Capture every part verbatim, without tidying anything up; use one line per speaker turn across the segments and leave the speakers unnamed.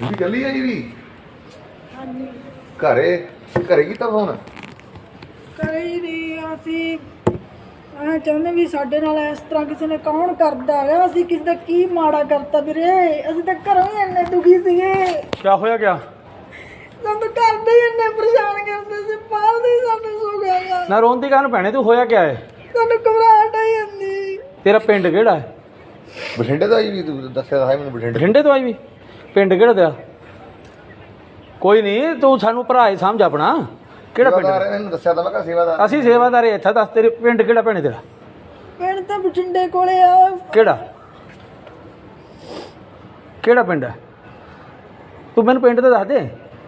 ਤੁਸੀਂ ਚੱਲੀ ਆਈ ਵੀ
ਹਾਂਜੀ
ਘਰੇ ਘਰੇ ਕੀਤਾ ਫੋਨ
ਕਰੇ ਹੀ ਨਹੀਂ ਅਸੀਂ ਆ ਚਾਹੁੰਦੇ ਵੀ ਸਾਡੇ ਨਾਲ ਇਸ ਤਰ੍ਹਾਂ ਕਿਸੇ ਨੇ ਕੌਣ ਕਰਦਾ ਹੈਗਾ ਅਸੀਂ ਕਿਸੇ ਦਾ ਕੀ ਮਾੜਾ ਕਰਤਾ ਵੀਰੇ ਅਸੀਂ ਤਾਂ ਘਰੋਂ ਹੀ ਇੰਨੇ ਦੁਖੀ ਸੀਗੇ
ਕੀ ਹੋਇਆ ਗਿਆ
ਸਾਨੂੰ ਤਾਂ ਘਰ ਦੇ ਹੀ ਇੰਨੇ ਪਰੇਸ਼ਾਨ ਕਰਦੇ ਸੀ ਬਾਹਰ ਦੇ ਹੀ ਸਾਨੂੰ ਸੋ ਗਿਆ
ਨਾ ਰੋਣ ਦੀ ਕਾਹਨੂੰ ਭੈਣੇ ਤੂੰ ਹੋਇਆ ਕਿਆ ਹੈ
ਸਾਨੂੰ ਘਬਰਾਹਟ ਆਈ ਜਾਂਦੀ
ਤੇਰਾ ਪਿੰਡ ਕਿਹੜਾ ਹੈ
ਬਠਿੰਡੇ ਦਾ ਆਈ ਵੀ ਤੂੰ ਦੱਸਿਆ ਤਾਂ ਹੈ ਮੈਨੂੰ ਬਠਿੰਡੇ
ਬਠਿੰਡੇ ਤੋਂ ਆਈ ਵੀ ਪਿੰਡ ਕਿਹੜਾ ਤੇਰਾ ਕੋਈ ਨਹੀਂ ਤੂੰ ਸਾਨੂੰ ਭਰਾ ਹੀ ਸਮਝ ਆਪਣਾ ਕਿਹੜਾ ਪਿੰਡ
ਸੇਵਾਦਾਰ ਇਹਨੂੰ ਦੱਸਿਆ ਤਾਂ ਮੈਂ ਕਿਹਾ ਸੇਵਾਦਾਰ
ਅਸੀਂ ਸੇਵਾਦਾਰ ਇੱਥੇ ਦੱਸ ਤੇਰੇ ਪਿੰਡ ਕਿਹੜਾ ਭੈਣੇ ਤੇਰਾ
ਪਿੰਡ ਤਾਂ ਬਠਿੰਡੇ ਕੋਲੇ ਆ
ਕਿਹੜਾ ਕਿਹੜਾ ਪਿੰਡ ਹੈ ਤੂੰ ਮੈਨੂੰ ਪਿੰਡ ਦਾ ਦੱਸ ਦੇ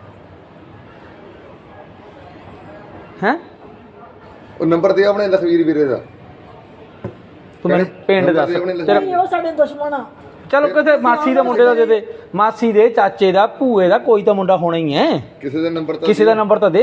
ਹੈਂ
ਉਹ ਨੰਬਰ ਦੇ ਆਪਣੇ ਲਖਵੀਰ ਵੀਰੇ ਦਾ
ਤੂੰ ਮੈਨੂੰ ਪਿੰਡ ਦੱਸ ਤੇਰਾ
ਨਹੀਂ ਉਹ ਸਾਡੇ ਦੁਸ਼ਮਣ ਆ
ਚਲੋ ਕਿਸੇ ਮਾਸੀ ਦੇ ਮੁੰਡੇ ਦਾ ਦੇ ਦੇ ਮਾਸੀ ਦੇ ਚਾਚੇ ਦਾ ਭੂਏ ਦਾ ਕੋਈ ਤਾਂ ਮੁੰਡਾ ਹੋਣਾ ਹੀ ਹੈ
ਕਿਸੇ ਦਾ ਨੰਬਰ ਤਾਂ
ਕਿਸੇ ਦਾ ਨੰਬਰ ਤਾਂ ਦੇ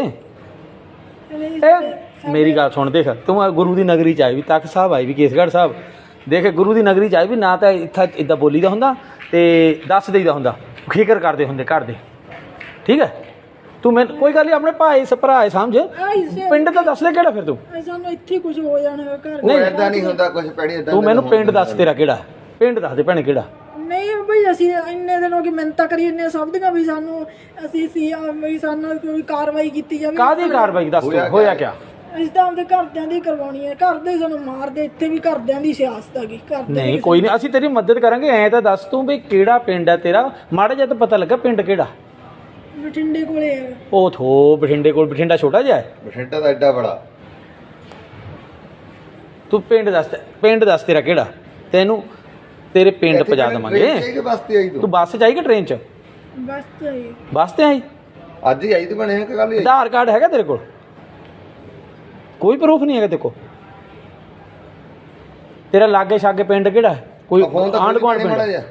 ਇਹ ਮੇਰੀ ਗੱਲ ਸੁਣ ਦੇਖ ਤੂੰ ਆ ਗੁਰੂ ਦੀ ਨਗਰੀ ਚ ਆਈ ਵੀ ਤਖਤ ਸਾਹਿਬ ਆਈ ਵੀ ਕੇਸਗੜ੍ਹ ਸਾਹਿਬ ਦੇਖ ਗੁਰੂ ਦੀ ਨਗਰੀ ਚ ਆਈ ਵੀ ਨਾ ਤਾਂ ਇੱਥੇ ਇਦਾਂ ਬੋਲੀ ਦਾ ਹੁੰਦਾ ਤੇ ਦੱਸ ਦੇਈਦਾ ਹੁੰਦਾ ਫਿਕਰ ਕਰਦੇ ਹੁੰਦੇ ਘਰ ਦੇ ਠੀਕ ਹੈ ਤੂੰ ਮੈਂ ਕੋਈ ਗੱਲ ਨਹੀਂ ਆਪਣੇ ਭਾਈ ਭਰਾ ਸਮਝ ਪਿੰਡ ਤਾਂ ਦੱਸ ਦੇ ਕਿਹੜਾ ਫਿਰ ਤੂੰ
ਸਾਨੂੰ ਇੱਥੇ ਕੁਝ ਹੋ ਜਾਣਾ ਘਰ
ਨਹੀਂ ਐਦਾਂ ਨਹੀਂ ਹੁੰਦਾ ਕੁਝ ਪੈਣੀ ਐਦਾਂ
ਤੂੰ ਮੈਨੂੰ ਪਿੰਡ ਦੱਸ ਤੇਰਾ ਕਿਹੜਾ ਪਿੰਡ ਦੱਸ ਦੇ ਭੈਣੇ ਕਿਹੜਾ
ਨਹੀਂ ਬਈ ਅਸੀਂ ਇੰਨੇ ਦਿਨ ਹੋ ਗਏ ਮਿਹਨਤਾਂ ਕਰੀ ਇੰਨੇ ਸਭ ਦੀਆਂ ਵੀ ਸਾਨੂੰ ਅਸੀਂ ਸੀ ਵੀ ਸਾਨੂੰ ਕੋਈ ਕਾਰਵਾਈ ਕੀਤੀ ਜਾਵੇ
ਕਾਹਦੀ ਕਾਰਵਾਈ ਦੱਸ ਤੂੰ ਹੋਇਆ ਕਿਆ
ਅਸੀਂ ਤਾਂ ਆਪਦੇ ਘਰਦਿਆਂ ਦੀ ਕਰਵਾਉਣੀ ਹੈ ਘਰ ਦੇ ਸਾਨੂੰ ਮਾਰਦੇ ਇੱਥੇ ਵੀ ਘਰਦਿਆਂ ਦੀ ਸਿਆਸਤ ਹੈਗੀ ਘਰ
ਨਹੀਂ ਕੋਈ ਨਹੀਂ ਅਸੀਂ ਤੇਰੀ ਮਦਦ ਕਰਾਂਗੇ ਐਂ ਤਾਂ ਦੱਸ ਤੂੰ ਵੀ ਕਿਹੜਾ ਪਿੰਡ ਹੈ ਤੇਰਾ ਮਾੜਾ ਜਿਹਾ ਤਾਂ ਪਤਾ ਲੱਗਾ ਪਿੰਡ ਕਿਹੜਾ
ਬਠਿੰਡੇ ਕੋਲੇ ਹੈ
ਉਹ ਥੋ ਬਠਿੰਡੇ ਕੋਲ ਬਠਿੰਡਾ ਛੋਟਾ ਜਿਹਾ ਹੈ
ਬਠਿੰਡਾ ਦਾ ਐਡਾ ਬੜਾ
ਤੂੰ ਪਿੰਡ ਦੱਸ ਪਿੰਡ ਦੱਸ ਤੇਰਾ ਕਿਹੜਾ ਤੈਨੂੰ ਤੇਰੇ ਪਿੰਡ ਪਹੁੰਚਾ ਦੇਵਾਂਗੇ
ਕਿ ਬੱਸ ਤੇ ਆਈ
ਤੂੰ
ਤੂੰ
ਬੱਸ 'ਚ ਆਈ ਕਿ ਟ੍ਰੇਨ 'ਚ
ਬਸ ਤਾਂ ਇਹ
ਬੱਸ ਤੇ ਆਈ
ਅੱਜ ਹੀ ਆਈ ਤੇ ਬਣੇ ਕਿ ਕੱਲ ਹੀ ਆਈ
ਆਧਾਰ ਕਾਰਡ ਹੈਗਾ ਤੇਰੇ ਕੋਲ ਕੋਈ ਪ੍ਰੂਫ ਨਹੀਂ ਹੈਗਾ ਤੇਰੇ ਕੋਲ ਤੇਰਾ ਲਾਗੇ ਛਾਗੇ ਪਿੰਡ ਕਿਹੜਾ ਕੋਈ
ਫੋਨ ਤਾਂ
ਆਂਢ ਗੁਆਂਢ
ਮਾੜਾ
ਪਿੰਡ
ਜਿਹਾ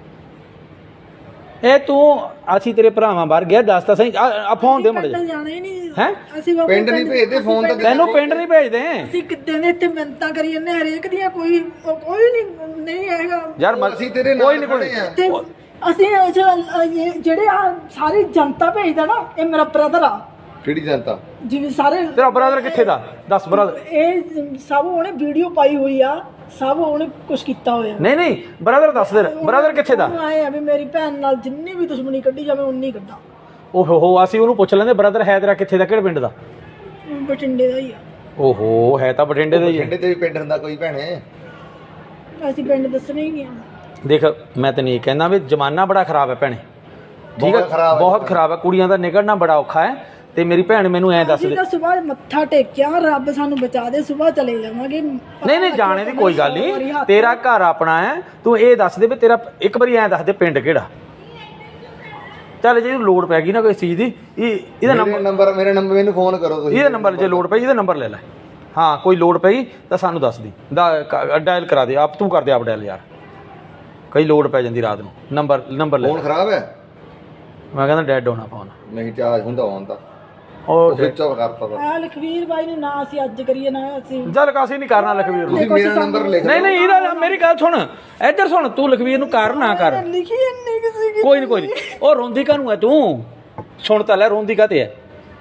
ਇਹ ਤੂੰ ਅਸੀਂ ਤੇਰੇ ਭਰਾਵਾਂ ਬਾਹਰ ਗਿਆ ਦੱਸ ਤਾਂ ਸਹੀ ਆ ਫੋਨ ਦੇ ਮੜੇ
ਪਿੰਡ ਜਾਣਾ ਹੀ ਨਹੀਂ
ਹੈ
ਅਸੀਂ ਬਾਬਾ
ਪਿੰਡ ਨਹੀਂ ਭੇਜਦੇ ਫੋਨ ਤਾਂ
ਤੈਨੂੰ ਪਿੰਡ ਨਹੀਂ ਭੇਜਦੇ
ਅਸੀਂ ਕਿੱਦਾਂ ਦੇ ਇੱਥੇ ਮਿਹਨਤਾਂ ਕਰੀ ਜਾਂਦੇ ਹਰੇਕ ਦੀਆਂ ਕੋਈ ਕੋਈ ਨਹੀਂ ਨਹੀਂ ਹੈਗਾ
ਯਾਰ ਮ-
ਅਸੀਂ ਤੇਰੇ
ਕੋਈ
ਨਾਲ
ਨਹੀਂ ਕੋਈ
ਖੜੇ ਆ
ਤੇ ਅਸੀਂ ਇਹ ਜੋ- ਇਹ ਜਿਹੜੇ ਆ ਸਾਰੀ ਜਨਤਾ ਭੇਜਦਾ ਨਾ ਇਹ ਮੇਰਾ ਬ੍ਰਦਰ ਆ
ਕਿਹੜੀ ਜਨਤਾ
ਜਿਵੇਂ ਸਾਰੇ
ਤੇਰਾ ਬ੍ਰਦਰ ਕਿੱਥੇ ਦਾ ਦੱਸ ਬ੍ਰਦਰ
ਇਹ ਸਭ ਉਹਨੇ ਵੀਡੀਓ ਪਾਈ ਹੋਈ ਆ ਸਭ ਉਹਨੇ ਕੁਝ ਕੀਤਾ ਹੋਇਆ
ਨਹੀਂ ਨਹੀਂ ਬ੍ਰਦਰ ਦੱਸ ਦੇ ਬ੍ਰਦਰ ਕਿੱਥੇ ਦਾ
ਉਹਨੂੰ ਆਏ ਆ ਵੀ ਮੇਰੀ ਭੈਣ ਨਾਲ ਜਿੰਨੀ ਵੀ ਦੁਸ਼ਮਣੀ ਕੱਢੀ ਜਾਵੇ ਉਨੀ ਕੱਢਾਂ
ਓਹੋ ਹੋ ਅਸੀਂ ਉਹਨੂੰ ਪੁੱਛ ਲੈਂਦੇ ਬ੍ਰਦਰ ਹੈ ਤੇਰਾ ਕਿੱਥੇ ਦਾ ਕਿਹੜੇ ਪਿੰਡ ਦਾ
ਬਠਿੰਡੇ ਦਾ ਹੀ ਆ
ਓਹੋ ਹੈ ਤਾਂ ਬਠਿੰਡੇ ਦਾ ਹੀ ਹੈ
ਬਠਿੰਡੇ ਤੇ ਵੀ ਪਿੰਡ ਹੁੰਦਾ ਕੋਈ ਭੈਣੇ
ਅਸੀਂ ਪਿੰਡ ਦੱਸਣੇ ਹੀ ਗਿਆ
ਦੇਖ ਮੈਂ ਤੈਨੂੰ ਇਹ ਕਹਿੰਦਾ ਵੀ ਜ਼ਮਾਨਾ ਬੜਾ ਖਰਾਬ ਹੈ ਭੈਣੇ ਠੀਕ ਹੈ
ਬਹੁਤ ਖਰਾਬ ਹੈ।
ਬਹੁਤ ਖਰਾਬ ਹੈ ਕੁੜੀਆਂ ਦਾ ਨਿਕਲਣਾ ਬੜਾ ਔਖਾ ਹੈ ਤੇ ਮੇਰੀ ਭੈਣ ਮੈਨੂੰ ਐਂ ਦੱਸ
ਅਸੀਂ
ਦੇ
ਤਾਂ ਸਵੇਰ ਮੱਥਾ ਟੇਕਿਆ ਰੱਬ ਸਾਨੂੰ ਬਚਾ ਦੇ ਸਵੇਰ ਚਲੇ ਜਾਵਾਂਗੇ
ਨਹੀਂ ਨਹੀਂ ਜਾਣੇ ਦੀ ਕੋਈ ਗੱਲ ਨਹੀਂ ਤੇਰਾ ਘਰ ਆਪਣਾ ਹੈ ਤੂੰ ਇਹ ਦੱਸ ਦੇ ਵੀ ਤੇਰਾ ਇੱਕ ਵਾਰੀ ਐਂ ਦੱਸ ਦੇ ਪਿੰਡ ਕਿਹੜਾ ਚੱਲ ਜੇ ਲੋੜ ਪੈ ਗਈ ਨਾ ਕੋਈ ਚੀਜ਼ ਦੀ ਇਹ ਇਹਦਾ
ਮੇਰੇ
ਨੰਬਰ
ਨੰਬਰ ਮੇਰੇ ਨੰਬਰ ਮੈਨੂੰ ਫੋਨ ਕਰੋ ਤੁਸੀਂ
ਇਹਦਾ ਨੰਬਰ ਜੇ ਲੋੜ ਪਈ ਇਹਦਾ ਨੰਬਰ ਲੈ ਲੈ ਹਾਂ ਕੋਈ ਲੋੜ ਪਈ ਤਾਂ ਸਾਨੂੰ ਦੱਸ ਦੀ ਡਾਇਲ ਕਰਾ ਦੇ ਆਪ ਤੂੰ ਕਰ ਦੇ ਆਪ ਡਾਇਲ ਯਾਰ ਕਈ ਲੋੜ ਪੈ ਜਾਂਦੀ ਰਾਤ ਨੂੰ ਨੰਬਰ ਨੰਬਰ ਲੈ
ਫੋਨ ਖਰਾਬ ਹੈ
ਮੈਂ ਕਹਿੰਦਾ ਡੈਡ ਹੋਣਾ ਫੋਨ
ਨਹੀਂ ਚਾਰਜ ਹੁੰਦਾ ਹੋਣ ਤਾਂ
ਉਹ
ਸਵਿਚ ਆਫ ਕਰਤਾ ਤਾ
ਆ ਲਖਵੀਰ ਬਾਈ ਨੂੰ ਨਾ ਅਸੀਂ ਅੱਜ ਕਰੀਏ ਨਾ ਅਸੀਂ
ਚੱਲ ਕਾਸੀ ਨਹੀਂ ਕਰਨਾ ਲਖਵੀਰ ਨੂੰ
ਤੁਸੀਂ ਮੇਰਾ ਨੰਬਰ ਲਿਖ
ਨਹੀਂ ਨਹੀਂ ਇਹਦਾ ਮੇਰੀ ਗੱਲ ਸੁਣ ਇੱਧਰ ਸੁਣ ਤੂੰ ਲਖਵੀਰ ਨੂੰ ਕਰ ਨਾ ਕਰ
ਲਿਖੀ ਇੰਨੀ ਕਿਸੇ ਕੀ
ਕੋਈ ਨਹੀਂ ਕੋਈ ਨਹੀਂ ਉਹ ਰੋਂਦੀ ਕਾਹਨੂੰ ਹੈ ਤੂੰ ਸੁਣ ਤਾਂ ਲੈ ਰੋਂਦੀ ਕਾਤੇ ਹੈ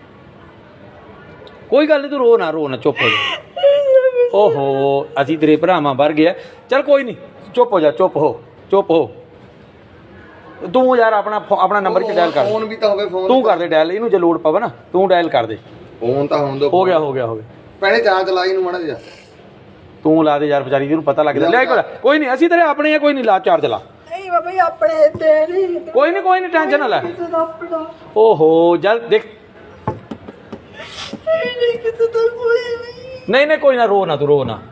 ਕੋਈ ਗੱਲ ਨਹੀਂ ਤੂੰ ਰੋ ਨਾ ਰੋ ਨਾ ਚੁੱਪ ਹੋ ਜਾ ਓਹੋ ਅਸੀਂ ਤੇਰੇ ਭਰਾਵਾਂ ਵਰ ਗਿਆ ਚੱਲ ਕੋਈ ਨਹੀਂ ਚੁੱਪ ਹੋ ਜਾ ਚੁੱਪ ਹੋ ਚੁੱਪ ਹੋ ਤੂੰ ਯਾਰ ਆਪਣਾ ਆਪਣਾ ਨੰਬਰ ਚ ਡਾਇਲ ਕਰ
ਫੋਨ ਵੀ ਤਾਂ ਹੋਵੇ ਫੋਨ
ਤੂੰ ਕਰ ਦੇ ਡਾਇਲ ਇਹਨੂੰ ਜੇ ਲੋੜ ਪਵੇ ਨਾ ਤੂੰ ਡਾਇਲ ਕਰ ਦੇ
ਫੋਨ ਤਾਂ ਹੋਣ ਦੋ
ਹੋ ਗਿਆ ਹੋ ਗਿਆ ਹੋ ਗਿਆ
ਪਹਿਲੇ ਚਾਂ ਚਲਾਈ ਨੂੰ ਮਾੜਾ ਜਿਹਾ
ਤੂੰ ਲਾ ਦੇ ਯਾਰ ਵਿਚਾਰੀ ਜਿਹਨੂੰ ਪਤਾ ਲੱਗਦਾ ਲੈ ਕੋਲ ਕੋਈ ਨਹੀਂ ਅਸੀਂ ਤੇਰੇ ਆਪਣੇ ਆ ਕੋਈ ਨਹੀਂ ਲਾ ਚਾਰਜ ਲਾ
ਨਹੀਂ ਬਾਬਾ ਜੀ ਆਪਣੇ ਤੇ ਨਹੀਂ
ਕੋਈ ਨਹੀਂ ਕੋਈ ਨਹੀਂ ਟੈਨਸ਼ਨ ਨਾ ਲੈ
ਕਿਸੇ ਦਾ ਆਪਣਾ
ਓਹੋ ਜਲ ਦੇਖ
ਨਹੀਂ ਕਿਸੇ ਦਾ ਕੋਈ ਨਹੀਂ
ਨਹੀਂ ਨਹੀਂ ਕੋਈ ਨਾ ਰੋ ਨਾ ਤੂੰ ਰੋ ਨਾ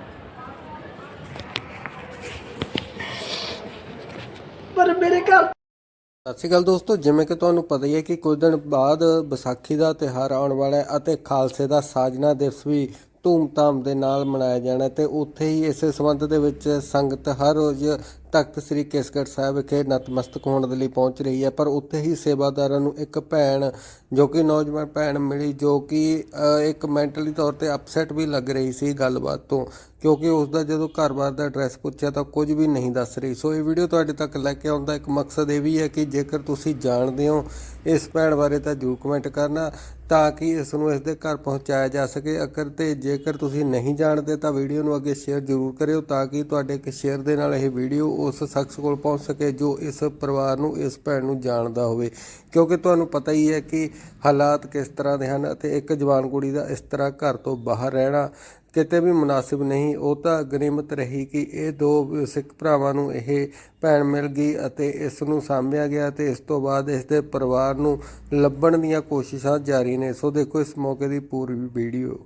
ਪਰ ਮੇਰੇ ਘਰ
ਸਤਿ ਸ਼੍ਰੀ ਅਕਾਲ ਦੋਸਤੋ, ਜਿਵੇਂ ਕਿ ਤੁਹਾਨੂੰ ਪਤਾ ਹੀ ਹੈ ਕਿ ਕੁਝ ਦਿਨ ਬਾਅਦ ਵਿਸਾਖੀ ਦਾ ਤਿਉਹਾਰ ਆਉਣ ਵਾਲਾ ਹੈ ਅਤੇ ਖਾਲਸੇ ਦਾ ਸਾਜਨਾ ਦਿਵਸ ਵੀ ਧੂਮਧਾਮ ਦੇ ਨਾਲ ਮਨਾਇਆ ਜਾਣਾ ਤੇ ਉੱਥੇ ਹੀ ਇਸੇ ਸੰਬੰਧ ਦੇ ਵਿੱਚ ਸੰਗਤ ਹਰ ਰੋਜ਼ ਤਖਤ ਸ੍ਰੀ ਕੇਸਗੜ੍ਹ ਸਾਹਿਬ ਵਿਖੇ ਨਤਮਸਤਕ ਹੋਣ ਦੇ ਲਈ ਪਹੁੰਚ ਰਹੀ ਹੈ। ਪਰ ਉੱਥੇ ਹੀ ਸੇਵਾਦਾਰਾਂ ਨੂੰ ਇੱਕ ਭੈਣ ਜੋ ਕਿ ਨੌਜਵਾਨ ਭੈਣ ਮਿਲੀ, ਜੋ ਕਿ ਅ, ਇੱਕ ਮੈਂਟਲੀ ਤੌਰ ਤੇ ਅਪਸੈਟ ਵੀ ਲੱਗ ਰਹੀ ਸੀ ਗੱਲਬਾਤ ਤੋਂ, ਕਿਉਂਕਿ ਉਸ ਦਾ ਜਦੋਂ ਘਰ-ਬਾਰ ਦਾ ਐਡਰੈਸ ਪੁੱਛਿਆ ਤਾਂ ਕੁਝ ਵੀ ਨਹੀਂ ਦੱਸ ਰਹੀ। ਸੋ ਇਹ ਵੀਡੀਓ ਤੁਹਾਡੇ ਤੱਕ ਲੈ ਕੇ ਆਉਣ ਦਾ ਇੱਕ ਮਕਸਦ ਇਹ ਵੀ ਹੈ ਕਿ ਜੇਕਰ ਤੁਸੀਂ ਜਾਣਦੇ ਹੋ ਇਸ ਭੈਣ ਬਾਰੇ ਤਾਂ ਜ਼ਰੂਰ ਕਮੈਂਟ ਕਰਨਾ ਤਾਂ ਕਿ ਇਸ ਨੂੰ ਇਸ ਦੇ ਘਰ ਪਹੁੰਚਾਇਆ ਜਾ ਸਕੇ। ਅਗਰ ਤੇ ਜੇਕਰ ਤੁਸੀਂ ਨਹੀਂ ਜਾਣਦੇ ਤਾਂ ਵੀਡੀਓ ਨੂੰ ਅੱਗੇ ਸ਼ੇਅਰ ਜ਼ਰੂਰ ਕਰਿਓ ਤਾਂ ਕਿ ਤੁਹਾਡੇ ਇੱਕ ਸ਼ੇਅਰ ਦੇ ਨਾਲ ਇਹ ਵੀਡੀਓ ਉਸ ਸ਼ਖਸ ਕੋਲ ਪਹੁੰਚ ਸਕੇ ਜੋ ਇਸ ਪਰਿਵਾਰ ਨੂੰ, ਇਸ ਭੈਣ ਨੂੰ ਜਾਣਦਾ ਹੋਵੇ, ਕਿਉਂਕਿ ਤੁਹਾਨੂੰ ਪਤਾ ਹੀ ਹੈ ਕਿ ਹਾਲਾਤ ਕਿਸ ਤਰ੍ਹਾਂ ਦੇ ਹਨ ਅਤੇ ਇੱਕ ਜਵਾਨ ਕੁੜੀ ਦਾ ਇਸ ਤਰ੍ਹਾਂ ਘਰ ਤੋਂ ਬਾਹਰ ਰਹਿਣਾ ਕਿਤੇ ਵੀ ਮੁਨਾਸਿਬ ਨਹੀਂ। ਉਹ ਤਾਂ ਗਨੀਮਤ ਰਹੀ ਕਿ ਇਹ ਦੋ ਸਿੱਖ ਭਰਾਵਾਂ ਨੂੰ ਇਹ ਭੈਣ ਮਿਲ ਗਈ ਅਤੇ ਇਸ ਨੂੰ ਸਾਂਭਿਆ ਗਿਆ ਤੇ ਇਸ ਤੋਂ ਬਾਅਦ ਇਸ ਦੇ ਪਰਿਵਾਰ ਨੂੰ ਲੱਭਣ ਦੀਆਂ ਕੋਸ਼ਿਸ਼ਾਂ ਜਾਰੀ ਨੇ। ਸੋ ਦੇਖੋ ਇਸ ਮੌਕੇ ਦੀ ਪੂਰੀ ਵੀਡੀਓ।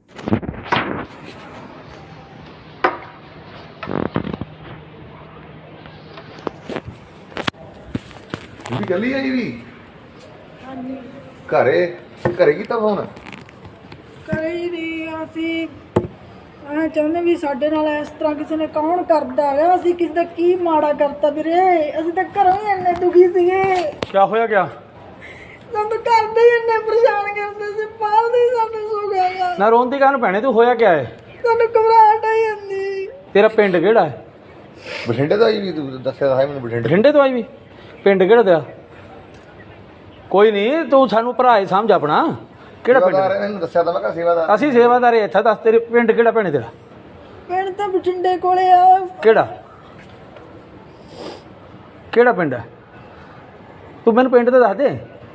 ਵੀ ਚੱਲੀ ਆਈ ਵੀ
ਹਾਂਜੀ
ਘਰੇ ਘਰੇ ਕੀਤਾ ਫੋਨ
ਕਰੇ ਹੀ ਨਹੀਂ ਅਸੀਂ ਆ ਚਾਹੁੰਦੇ ਵੀ ਸਾਡੇ ਨਾਲ ਇਸ ਤਰ੍ਹਾਂ ਕਿਸੇ ਨੇ ਕੌਣ ਕਰਦਾ ਹੈਗਾ। ਅਸੀਂ ਕਿਸੇ ਦਾ ਕੀ ਮਾੜਾ ਕਰਤਾ ਵੀਰੇ, ਅਸੀਂ ਤਾਂ ਘਰੋਂ ਹੀ ਇੰਨੇ ਦੁਖੀ ਸੀਗੇ।
ਕੀ ਹੋਇਆ ਕਿਆ?
ਸਾਨੂੰ ਤਾਂ ਘਰ ਦੇ ਹੀ ਇੰਨੇ ਪਰੇਸ਼ਾਨ ਕਰਦੇ ਸੀ, ਬਾਹਰ ਦੇ ਹੀ ਸਾਨੂੰ ਸੁੱਖ ਹੈਗਾ।
ਨਾ ਰੋਣ ਦੀ ਕਾਹਨੂੰ ਭੈਣੇ, ਤੂੰ ਹੋਇਆ ਕਿਆ ਹੈ?
ਸਾਨੂੰ ਘਬਰਾਹਟ ਆਈ ਜਾਂਦੀ।
ਤੇਰਾ ਪਿੰਡ ਕਿਹੜਾ ਹੈ?
ਬਠਿੰਡੇ ਤੋਂ ਆਈ ਵੀ, ਤੂੰ ਦੱਸਿਆ ਤਾਂ ਹੈ ਮੈਨੂੰ ਬਠਿੰਡੇ।
ਬਠਿੰਡੇ ਤੋਂ ਆਈ ਵੀ? ਪਿੰਡ ਕਿਹੜਾ ਤੇਰਾ? ਕੋਈ ਨਹੀਂ, ਤੂੰ ਸਾਨੂੰ ਭਰਾ ਹੀ ਸਮਝ ਆਪਣਾ। ਕਿਹੜਾ ਪਿੰਡ?
ਸੇਵਾਦਾਰ ਹੈ, ਮੈਨੂੰ ਦੱਸਿਆ ਤਾਂ ਮੈਂ ਕਿਹਾ ਸੇਵਾਦਾਰ।
ਅਸੀਂ ਸੇਵਾਦਾਰ ਇੱਥੇ ਦੱਸ, ਤੇਰੇ ਪਿੰਡ ਕਿਹੜਾ ਭੈਣੇ ਤੇਰਾ?
ਪਿੰਡ ਤਾਂ ਬਠਿੰਡੇ ਕੋਲੇ ਆ।
ਕਿਹੜਾ ਕਿਹੜਾ ਪਿੰਡ ਹੈ? ਤੂੰ ਮੈਨੂੰ ਪਿੰਡ ਤਾਂ ਦੱਸ ਦੇ।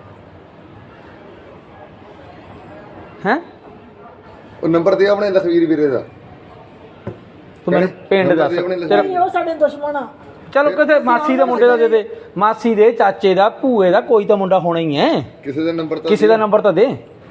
ਹੈਂ
ਉਹ ਨੰਬਰ ਦੇ ਆਪਣੇ ਲਖਵੀਰ ਵੀਰੇ ਦਾ।
ਤੂੰ ਮੈਨੂੰ ਪਿੰਡ ਦੱਸ। ਤੇਰਾ
ਨਹੀਂ, ਉਹ ਸਾਡੇ ਦੁਸ਼ਮਣ ਆ।
ਚਲੋ ਕਿਸੇ ਮਾਸੀ ਦੇ ਮੁੰਡੇ ਦਾ ਦੇ ਦੇ, ਮਾਸੀ ਦੇ ਚਾਚੇ ਦਾ, ਭੂਏ ਦਾ, ਕੋਈ ਤਾਂ ਮੁੰਡਾ ਹੋਣਾ ਹੀ ਹੈ।
ਕਿਸੇ ਦਾ ਨੰਬਰ ਤਾਂ
ਕਿਸੇ ਦਾ ਨੰਬਰ ਤਾਂ ਦੇ।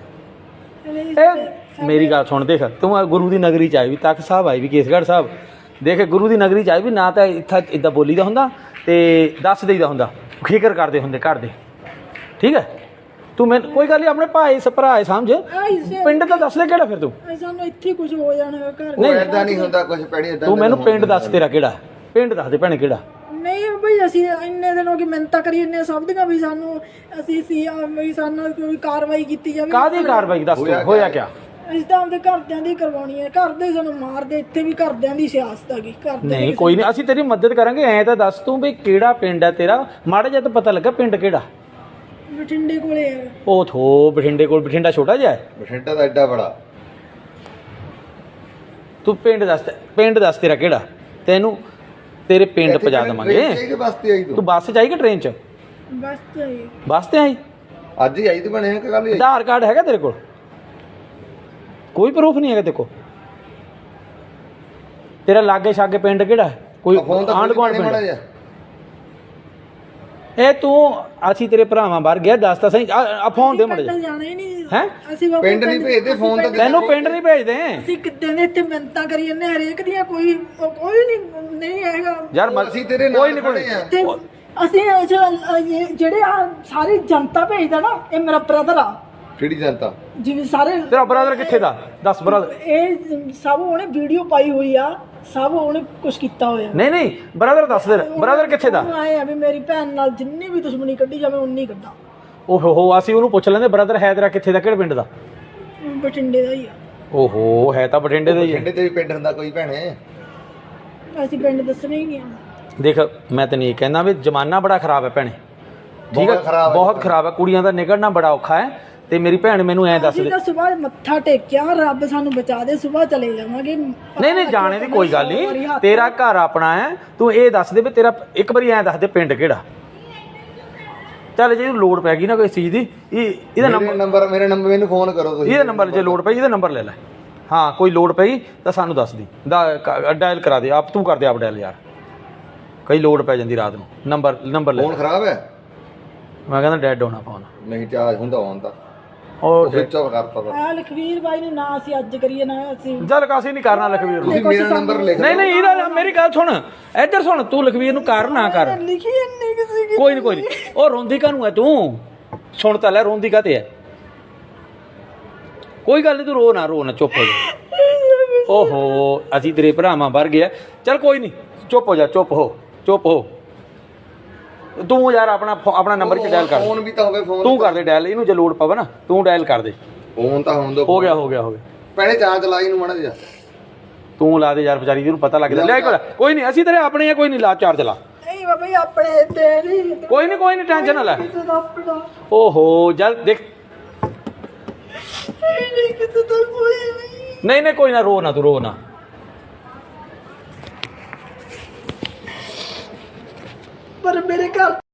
ਇਹ ਮੇਰੀ ਗੱਲ ਸੁਣ, ਦੇਖ ਤੂੰ ਆ ਗੁਰੂ ਦੀ ਨਗਰੀ ਚ ਆਈ ਵੀ, ਤਖਤ ਸਾਹਿਬ ਆਈ ਵੀ, ਕੇਸਗੜ੍ਹ ਸਾਹਿਬ। ਦੇਖ ਗੁਰੂ ਦੀ ਨਗਰੀ ਚ ਆਈ ਵੀ, ਨਾ ਤਾਂ ਇੱਥੇ ਇੱਦਾਂ ਬੋਲੀਦਾ ਹੁੰਦਾ ਤੇ ਦੱਸ ਦੇਈਦਾ ਹੁੰਦਾ, ਫਿਕਰ ਕਰਦੇ ਹੁੰਦੇ ਘਰ ਦੇ। ਠੀਕ ਹੈ, ਤੂੰ ਮੈਨੂੰ ਕੋਈ ਗੱਲ ਨਹੀਂ, ਆਪਣੇ ਭਾਈ ਭਰਾ ਸਮਝ। ਪਿੰਡ ਤਾਂ ਦੱਸ ਦੇ ਕਿਹੜਾ ਫਿਰ ਤੂੰ।
ਸਾਨੂੰ ਇੱਥੇ ਕੁਝ ਹੋ ਜਾਣਾ ਘਰ।
ਨਹੀਂ ਏਦਾਂ ਨਹੀਂ ਹੁੰਦਾ ਕੁਝ ਪੈਣੀ ਏਦਾਂ।
ਤੂੰ ਮੈਨੂੰ ਪਿੰਡ ਦੱਸ ਤੇਰਾ ਕਿਹੜਾ ਪਿੰਡ, ਦੱਸ ਦੇ ਭੈਣੇ ਕਿਹੜਾ।
ਨਹੀਂ ਬਈ, ਅਸੀਂ ਇੰਨੇ ਦਿਨ ਹੋ ਗਏ ਮਿਹਨਤਾਂ ਕਰੀ ਇੰਨੇ ਸਭ ਦੀਆਂ ਵੀ ਸਾਨੂੰ ਅਸੀਂ ਸੀ ਵੀ ਸਾਨੂੰ ਕੋਈ ਕਾਰਵਾਈ ਕੀਤੀ ਜਾਵੇ।
ਕਾਹਦੀ ਕਾਰਵਾਈ ਦੱਸ ਤੂੰ, ਹੋਇਆ ਕਿਆ?
ਅਸੀਂ ਤਾਂ ਆਪਦੇ ਘਰਦਿਆਂ ਦੀ ਕਰਵਾਉਣੀ ਹੈ। ਘਰ ਦੇ ਸਾਨੂੰ ਮਾਰਦੇ, ਇੱਥੇ ਵੀ ਘਰਦਿਆਂ ਦੀ ਸਿਆਸਤ ਹੈਗੀ। ਘਰ ਦੇ
ਨਹੀਂ ਕੋਈ ਨਹੀਂ, ਅਸੀਂ ਤੇਰੀ ਮਦਦ ਕਰਾਂਗੇ। ਐਂ ਤਾਂ ਦੱਸ ਤੂੰ ਵੀ ਕਿਹੜਾ ਪਿੰਡ ਹੈ ਤੇਰਾ, ਮਾੜਾ ਜਿਹਾ ਤਾਂ ਪਤਾ ਲੱਗਾ ਪਿੰਡ ਕਿਹੜਾ।
ਬਠਿੰਡੇ ਕੋਲੇ ਹੈ।
ਉਹ ਥੋ ਬਠਿੰਡੇ ਕੋਲ, ਬਠਿੰਡਾ ਛੋਟਾ ਜਿਹਾ ਹੈ।
ਬਠਿੰਡਾ ਦਾ ਐਡਾ ਬੜਾ।
ਤੂੰ ਪਿੰਡ ਦੱਸ, ਪਿੰਡ ਦੱਸ ਤੇਰਾ ਕਿਹੜਾ, ਤੈਨੂੰ ਤੇਰੇ ਪਿੰਡ ਪਹੁੰਚਾ ਦੇਵਾਂਗੇ।
ਕਿਹਦੇ ਵਾਸਤੇ ਆਈ
ਤੂੰ
ਤੂੰ?
ਬੱਸ 'ਚ ਆਈ ਕਿ ਟ੍ਰੇਨ 'ਚ?
ਬਸ ਤਾਂ ਇਹ।
ਬੱਸ ਤੇ ਆਈ?
ਅੱਜ ਹੀ ਆਈ ਤੂੰ ਬਣੇ ਕਿ ਕੱਲ ਹੀ ਆਈ?
ਆਧਾਰ ਕਾਰਡ ਹੈਗਾ ਤੇਰੇ ਕੋਲ? ਕੋਈ ਪ੍ਰੂਫ ਨਹੀਂ ਹੈਗਾ ਤੇਰੇ ਕੋਲ? ਤੇਰਾ ਲਾਗੇ ਛਾਗੇ ਪਿੰਡ ਕਿਹੜਾ ਹੈ? ਕੋਈ
ਫੋਨ ਤਾਂ
ਆਂਢ ਗੁਆਂਢ
ਮਾੜਾ
ਪਿੰਡ?
ਜਿਹਾ।
ਇਹ ਤੂੰ ਅਸੀਂ ਤੇਰੇ ਭਰਾਵਾਂ ਬਾਹਰ ਗਿਆ, ਦੱਸ ਤਾਂ ਸਹੀ। ਆ ਫੋਨ ਦੇ ਮੜ ਜਾ।
ਪਿੰਡ ਜਾਣਾ ਹੀ ਨਹੀਂ
ਹੈਂ?
ਅਸੀਂ ਬਾਬਾ
ਪਿੰਡ ਨਹੀਂ ਭੇਜਦੇ, ਫੋਨ ਤਾਂ
ਤੈਨੂੰ ਪਿੰਡ ਨਹੀਂ ਭੇਜਦੇ
ਅਸੀਂ ਕਿੱਦਾਂ ਦੇ ਇੱਥੇ ਮਿਹਨਤਾਂ ਕਰੀ ਜਾਂਦੇ ਹਰੇਕ ਦੀਆਂ, ਕੋਈ ਕੋਈ ਨਹੀਂ ਨਹੀਂ ਹੈਗਾ
ਯਾਰ। ਮ-
ਅਸੀਂ ਤੇਰੇ
ਕੋਈ
ਨਾਲ
ਨਹੀਂ
ਖੜੇ ਆ।
ਤੇ ਅਸੀਂ ਇਹ ਜੋ- ਇਹ ਜਿਹੜੇ ਆ ਸਾਰੀ ਜਨਤਾ ਭੇਜਦਾ ਨਾ, ਇਹ ਮੇਰਾ ਬ੍ਰਦਰ ਆ।
ਕਿਹੜੀ ਜਨਤਾ?
ਜਿਵੇਂ ਸਾਰੇ
ਤੇਰਾ ਬ੍ਰਦਰ ਕਿੱਥੇ ਦਾ ਦੱਸ? ਬ੍ਰਦਰ
ਇਹ ਸਭ ਉਹਨੇ ਵੀਡੀਓ ਪਾਈ ਹੋਈ ਆ, ਸਭ ਉਹਨੇ ਕੁਝ ਕੀਤਾ ਹੋਇਆ।
ਨਹੀਂ ਨਹੀਂ, ਬ੍ਰਦਰ ਦੱਸ ਦੇ, ਬ੍ਰਦਰ ਕਿੱਥੇ ਦਾ?
ਆਏ ਆ ਵੀ ਮੇਰੀ ਭੈਣ ਨਾਲ ਜਿੰਨੀ ਵੀ ਦੁਸ਼ਮਣੀ ਕੱਢੀ ਜਾਵੇ ਉਨੀ ਕੱਢਾਂ।
ਓਹੋ ਹੋ, ਅਸੀਂ ਉਹਨੂੰ ਪੁੱਛ ਲੈਂਦੇ ਬ੍ਰਦਰ ਹੈ ਤੇਰਾ ਕਿੱਥੇ ਦਾ, ਕਿਹੜੇ ਪਿੰਡ ਦਾ?
ਬਠਿੰਡੇ ਦਾ ਹੀ ਆ।
ਓਹੋ, ਹੈ ਤਾਂ ਬਠਿੰਡੇ ਦਾ ਹੀ ਹੈ।
ਬਠਿੰਡੇ ਤੇ ਵੀ ਪਿੰਡ ਹੁੰਦਾ ਕੋਈ ਭੈਣੇ?
ਅਸੀਂ ਪਿੰਡ ਦੱਸਣੇ ਹੀ ਨਹੀਂ ਆ।
ਦੇਖ ਮੈਂ ਤੈਨੂੰ ਇਹ ਕਹਿੰਦਾ ਵੀ ਜ਼ਮਾਨਾ ਬੜਾ ਖਰਾਬ ਹੈ ਭੈਣੇ। ਠੀਕ ਹੈ,
ਬਹੁਤ ਖਰਾਬ ਹੈ।
ਬਹੁਤ ਖਰਾਬ ਹੈ। ਕੁੜੀਆਂ ਦਾ ਨਿਕਲਣਾ ਬੜਾ ਔਖਾ ਹੈ। ਤੇ ਮੇਰੀ ਭੈਣ ਮੈਨੂੰ ਐਂ ਦੱਸ
ਅਸੀਂ
ਦੇ।
ਤਾਂ ਸਵੇਰ ਮੱਥਾ ਟੇਕਿਆ, ਰੱਬ ਸਾਨੂੰ ਬਚਾ ਦੇ, ਸਵੇਰ ਚਲੇ ਜਾਵਾਂਗੇ।
ਨਹੀਂ ਨਹੀਂ, ਜਾਣੇ ਦੀ ਕੋਈ ਗੱਲ ਨਹੀਂ, ਤੇਰਾ ਘਰ ਆਪਣਾ ਹੈ। ਤੂੰ ਇਹ ਦੱਸ ਦੇ ਵੀ ਤੇਰਾ ਇੱਕ ਵਾਰੀ ਐਂ ਦੱਸ ਦੇ ਪਿੰਡ ਕਿਹੜਾ। ਚੱਲ ਜੇ ਲੋੜ ਪੈ ਗਈ ਨਾ ਕੋਈ ਚੀਜ਼ ਦੀ, ਇਹ ਇਹਦਾ
ਮੇਰੇ ਨੰਬਰ ਮੇਰੇ ਨੰਬਰ ਮੈਨੂੰ ਫੋਨ ਕਰੋ ਤੁਸੀਂ।
ਇਹਦਾ ਨੰਬਰ ਜੇ ਲੋੜ ਪਈ ਇਹਦਾ ਨੰਬਰ ਲੈ ਲੈ। ਹਾਂ ਕੋਈ ਲੋੜ ਪਈ ਤਾਂ ਸਾਨੂੰ ਦੱਸ ਦੀ, ਡਾਇਲ ਕਰਾ ਦੇ ਆਪ, ਤੂੰ ਕਰ ਦੇ ਆਪ ਡਾਇਲ ਯਾਰ, ਕਈ ਲੋੜ ਪੈ ਜਾਂਦੀ ਰਾਤ ਨੂੰ। ਨੰਬਰ ਨੰਬਰ ਲੈ।
ਫੋਨ ਖਰਾਬ ਹੈ?
ਮੈਂ ਕਹਿੰਦਾ ਡੈਡ ਹੋਣਾ ਫੋਨ।
ਨਹੀਂ ਚਾਰਜ ਹੁੰਦਾ ਹੋਣ ਤਾਂ
ਉਹ
ਸਵਿਚ ਆਫ ਕਰਤਾ ਤਾ।
ਆ ਲਖਵੀਰ ਬਾਈ ਨੂੰ ਨਾ ਅਸੀਂ ਅੱਜ ਕਰੀਏ ਨਾ ਅਸੀਂ।
ਚੱਲ ਕਾਸੀ ਨਹੀਂ ਕਰਨਾ ਲਖਵੀਰ ਨੂੰ।
ਤੁਸੀਂ ਮੇਰਾ ਨੰਬਰ ਲਿਖ
ਨਹੀਂ ਨਹੀਂ, ਇਹਦਾ ਮੇਰੀ ਗੱਲ ਸੁਣ, ਇੱਧਰ ਸੁਣ, ਤੂੰ ਲਖਵੀਰ ਨੂੰ ਕਰ ਨਾ ਕਰ।
ਲਿਖੀ ਇੰਨੀ ਕਿਸੇ ਕੀ।
ਕੋਈ ਨਹੀਂ ਕੋਈ ਨਹੀਂ, ਉਹ ਰੋਂਦੀ ਕਾਹਨੂੰ ਹੈ ਤੂੰ? ਸੁਣ ਤਾਂ ਲੈ, ਰੋਂਦੀ ਕਾਹਤੇ ਹੈ? ਕੋਈ ਗੱਲ ਨਹੀਂ, ਤੂੰ ਰੋ ਨਾ, ਰੋ ਨਾ, ਚੁੱਪ ਹੋ ਜਾ। ਓਹੋ, ਅਸੀਂ ਤੇਰੇ ਭਰਾਵਾਂ ਵਰ ਗਿਆ। ਚੱਲ ਕੋਈ ਨਹੀਂ, ਚੁੱਪ ਹੋ ਜਾ, ਚੁੱਪ ਹੋ ਚੁੱਪ ਹੋ ਤੂੰ ਯਾਰ ਆਪਣਾ ਫੋ- ਆਪਣਾ ਨੰਬਰ ਚ ਡਾਇਲ ਕਰ
ਫੋਨ ਵੀ ਤਾਂ ਹੋਵੇ ਫੋਨ
ਤੂੰ ਕਰ ਦੇ ਡਾਇਲ ਇਹਨੂੰ ਜੇ ਲੋਡ ਪਵੇ ਨਾ ਤੂੰ ਡਾਇਲ ਕਰ ਦੇ
ਫੋਨ ਤਾਂ ਹੋਣ ਦੋ
ਹੋ ਗਿਆ ਹੋ ਗਿਆ ਹੋ ਗਿਆ
ਪਹਿਲੇ ਚਾਰਜ ਲਾਈ ਨੂੰ ਮਾੜਾ ਜਿਹਾ
ਤੂੰ ਲਾ ਦੇ ਯਾਰ ਵਿਚਾਰੀ ਜਿਹਨੂੰ ਪਤਾ ਲੱਗਦਾ ਲੈ ਕੋਲ ਕੋਈ ਨਹੀਂ ਅਸੀਂ ਤੇਰੇ ਆਪਣੇ ਆ ਕੋਈ ਨਹੀਂ ਲਾ ਚਾਰਜ ਲਾ
ਨਹੀਂ ਬਾਬਾ ਜੀ ਆਪਣੇ ਤੇ ਨਹੀਂ
ਕੋਈ ਨਹੀਂ ਕੋਈ ਨਹੀਂ ਟੈਨਸ਼ਨ ਨਾ ਲੈ
ਕਿਸੇ ਦਾ ਆਪਣਾ
ਓਹੋ ਜਲ ਦੇਖ
ਨਹੀਂ ਕਿਸੇ ਦਾ ਕੋਈ ਨਹੀਂ
ਨਹੀਂ ਨਹੀਂ ਕੋਈ ਨਾ ਰੋ ਨਾ ਤੂੰ ਰੋ ਨਾ
ਪਰ ਮੇਰੇ ਘਰ